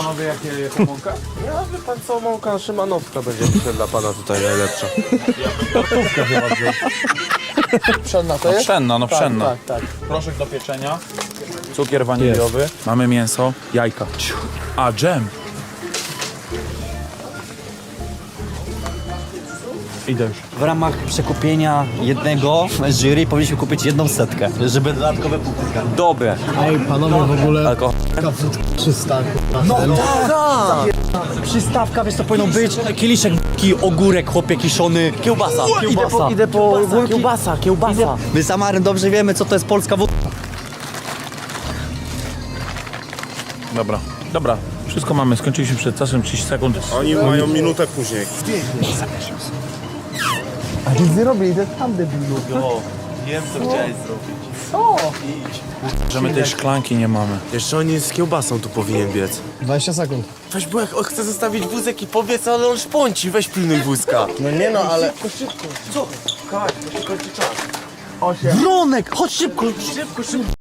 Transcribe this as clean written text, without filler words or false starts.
Panowie, jaką mąkę? Ja wie pan co, mąka szymanowska będzie myślę dla pana tutaj najlepsza. Gotówkę chyba wziął. Pszenna to jest? Pszenna, no pszenna. Tak, tak. Proszek do pieczenia, cukier waniliowy, mamy mięso, jajka. A, dżem. Idę już. W ramach przekupienia jednego z jury powinniśmy kupić 100, żeby dodatkowe punkty. Dobre. Ej, panowie, w ogóle Alkohol. 300. Przystawka, wiesz co powinno być? Kieliszek, ogórek, chłopie kiszony, kiełbasa. Idę po kiełbasa. My z Amarem dobrze wiemy, co to jest polska wódka. Dobra, dobra. Wszystko mamy, skończyliśmy przed czasem 30 sekund. Oni mają minutę później. A nic nie robię, idę tam debilu. Wiem, co chciałeś zrobić. Że my tej szklanki nie mamy. Jeszcze oni z kiełbasą tu powinien biec. 20 sekund. Weź, bo jak on chce zostawić wózek i pobiec, ale on szpąci, weź pilnuj wózka. No nie no, ale... Szybko. Co? Kaj, bo się kończy czas. Bronek, chodź szybko. Szybko.